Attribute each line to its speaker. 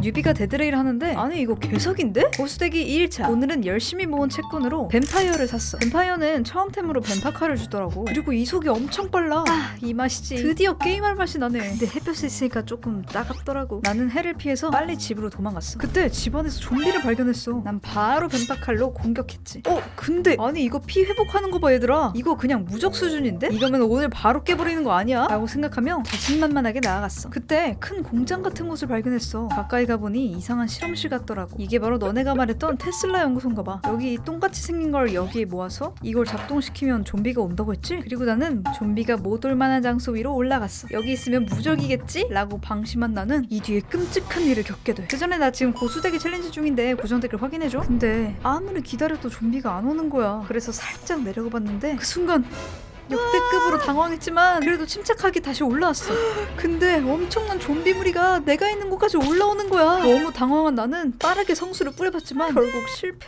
Speaker 1: 뉴비가 데드레이를 하는데 아니 이거 개석인데? 보수대기 2일차. 오늘은 열심히 모은 채권으로 뱀파이어를 샀어. 뱀파이어는 처음템으로 뱀파카를 주더라고. 그리고 이속이 엄청 빨라. 이 맛이지. 드디어 게임할 맛이 나네. 근데 햇볕에 있으니까 조금 따갑더라고. 나는 해를 피해서 빨리 집으로 도망갔어. 그때 집안에서 좀비를 발견했어. 난 바로 뱀파칼로 공격했지. 근데 아니 이거 피 회복하는 거 봐 얘들아. 이거 그냥 무적 수준인데? 이거면 오늘 바로 깨버리는 거 아니야? 라고 생각하며 자신만만하게 나아갔어. 그때 큰 공장 같은 곳을 발견했어. 가까이 가보니 이상한 실험실 같더라고. 이게 바로 너네가 말했던 테슬라 연구소인가 봐. 여기 똥같이 생긴 걸 여기에 모아서 이걸 작동시키면 좀비가 온다고 했지? 그리고 나는 좀비가 못 올 만한 장소 위로 올라갔어. 여기 있으면 무적이겠지? 라고 방심한 나는 이 뒤에 끔찍한 일을 겪게 돼. 그 전에 나 지금 고수대기 챌린지 중인데 고정 댓글 확인해줘. 근데 아무리 기다려도 좀비가 안 오는 거야. 그래서 살짝 내려가 봤는데 그 순간 역대급으로 당황했지만 그래도 침착하게 다시 올라왔어. 근데 엄청난 좀비 무리가 내가 있는 곳까지 올라오는 거야. 너무 당황한 나는 빠르게 성수를 뿌려봤지만 결국 실패.